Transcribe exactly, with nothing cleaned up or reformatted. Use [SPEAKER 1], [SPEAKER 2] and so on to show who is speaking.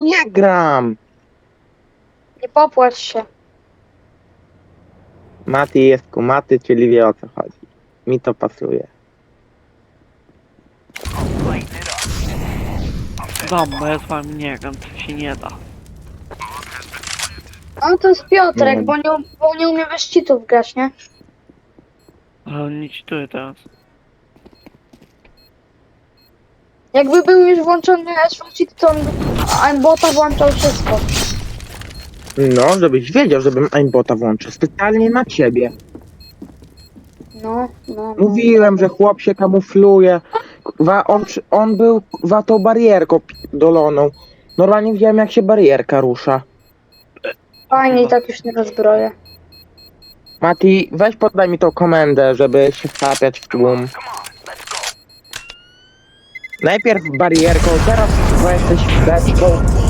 [SPEAKER 1] Nie gram!
[SPEAKER 2] Nie popłacz się.
[SPEAKER 1] Mati jest kumaty, czyli wie o co chodzi. Mi to pasuje.
[SPEAKER 3] Dam, bo ja z wami nie gram, to się nie da.
[SPEAKER 2] No to jest Piotrek,
[SPEAKER 1] Nie.
[SPEAKER 2] bo nie, bo nie umie bez cheatów grać, nie?
[SPEAKER 3] Ale on nie cheatuje teraz.
[SPEAKER 2] Jakby był już włączony S V cheat, to on aimbota włączał wszystko.
[SPEAKER 1] No, żebyś wiedział, żebym aimbota włączył. Specjalnie na ciebie.
[SPEAKER 2] No, no, no.
[SPEAKER 1] Mówiłem, że chłop się kamufluje. Kurwa, on, przy- on był kurwa tą barierką doloną. Normalnie widziałem, jak się barierka rusza.
[SPEAKER 2] Fajnie i tak już nie rozbroję.
[SPEAKER 1] Mati, weź podaj mi tą komendę, żeby się wtapiać w tłum. Najpierw barierką, teraz chyba jesteś beczką.